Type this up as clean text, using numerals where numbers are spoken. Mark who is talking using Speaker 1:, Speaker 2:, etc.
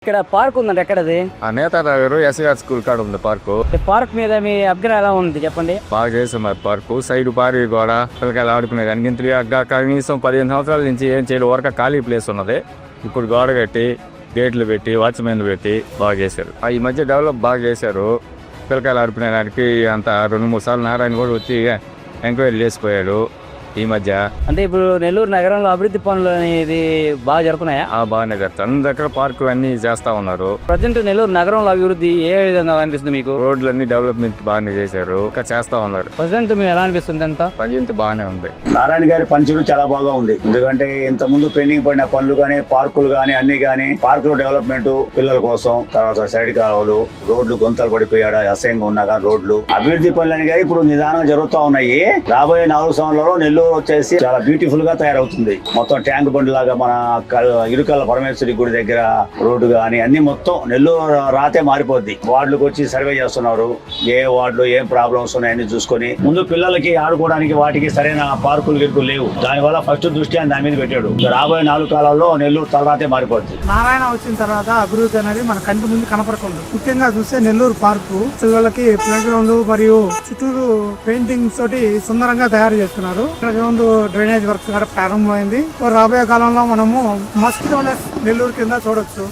Speaker 1: ఇక్కడ పార్క్ ఉందండి, ఎక్కడది?
Speaker 2: ఆ నేతానగర్ ఎస్ఆర్ స్కూల్ కాడ ఉంది పార్కు.
Speaker 1: పార్క్ మీద మీ అభిప్రాయం ఎలా ఉంది చెప్పండి.
Speaker 2: బాగా చేసాం మరి పార్కు. సైడ్ పారి గోడ పిల్లకాయలు ఆడుకునేది అన్నింటి కనీసం 15 సంవత్సరాల నుంచి ఏం చేయలేదు, వరకు ఖాళీ ప్లేస్ ఉన్నది. ఇప్పుడు గోడ కట్టి గేట్లు పెట్టి వాచ్మెన్లు పెట్టి బాగా చేశారు. ఈ మధ్య డెవలప్ బాగా చేశారు. పిల్లకాయలు ఆడుకునేదానికి అంత 2-3 సార్లు నారాయణ కూడా వచ్చి ఎంక్వైరీ చేసిపోయాడు ఈ మధ్య.
Speaker 1: అంటే ఇప్పుడు నెల్లూరు నగరంలో అభివృద్ధి పనులు అనేది బాగా జరుగుతున్నాయా?
Speaker 2: బాగానే జరుగుతాయి. అన్ని దగ్గర పార్కు అన్ని చేస్తా ఉన్నారు.
Speaker 1: ప్రజెంట్ నెల్లూరు నగరంలో అభివృద్ధి ఏ విధంగా అనిపిస్తుంది మీకు?
Speaker 2: రోడ్లన్నీ డెవలప్మెంట్ బాగానే చేశారు, ఇంకా చేస్తా ఉన్నారు.
Speaker 1: ప్రజెంట్ మీకు ఎలా అనిపిస్తుంది? అంతా
Speaker 2: ప్రజెంట్ బాగానే ఉంది.
Speaker 3: నారాయణ గారి పనితీరు చాలా బాగా ఉంది. ఎందుకంటే ఇంత ముందు పెండింగ్ పడిన పనులు గానీ, పార్కులు గానీ అన్ని గానీ, పార్కులు డెవలప్మెంట్ పిల్లల కోసం, తర్వాత సైడ్ కాలువలు, రోడ్లు గుంతలు పడిపోయాడు అసహ్యంగా ఉన్నా కానీ రోడ్లు అభివృద్ధి పనులు అని ఇప్పుడు నిదానంగా జరుగుతూ ఉన్నాయి. రాబోయే 4 సంవత్సరాల్లో నెల్లూరు వచ్చేసి చాలా బ్యూటిఫుల్ గా తయారవుతుంది. మొత్తం ట్యాంక్ బండ్ లాగా మన ఇరుకల్ల పరమేశ్వరి గుడి దగ్గర రోడ్డు గానీ అన్ని మొత్తం నెల్లూరు రాతే మారిపోద్ది. వార్డులకు వచ్చి సర్వే చేస్తున్నారు. ఏ వార్డులో ఏం ప్రాబ్లమ్స్ ఉన్నాయని చూసుకొని ముందు పిల్లలకి ఆడుకోవడానికి వాటికి సరైన పార్కులు గిరుకులు లేవు. దానివల్ల ఫస్ట్ దృష్టి దాని మీద పెట్టాడు. రాబోయే 4 కాలాల్లో నెల్లూరు తలరాతే మారిపోద్ది.
Speaker 4: నారాయణ వచ్చిన తర్వాత అభివృద్ధి అనేది మన కంటి ముందు కనపడకుండా, ముఖ్యంగా చూస్తే నెల్లూరు పార్కు పిల్లలకి ప్లే గ్రౌండ్ మరియు చుట్టూరు పెయింటింగ్స్ తోటి సుందరంగా తయారు చేస్తున్నారు. ముందు డ్రైనేజ్ వర్క్ కూడా ప్రారంభమైంది. రాబోయే కాలంలో మనము మస్ట్ నెల్లూరు కింద చూడొచ్చు.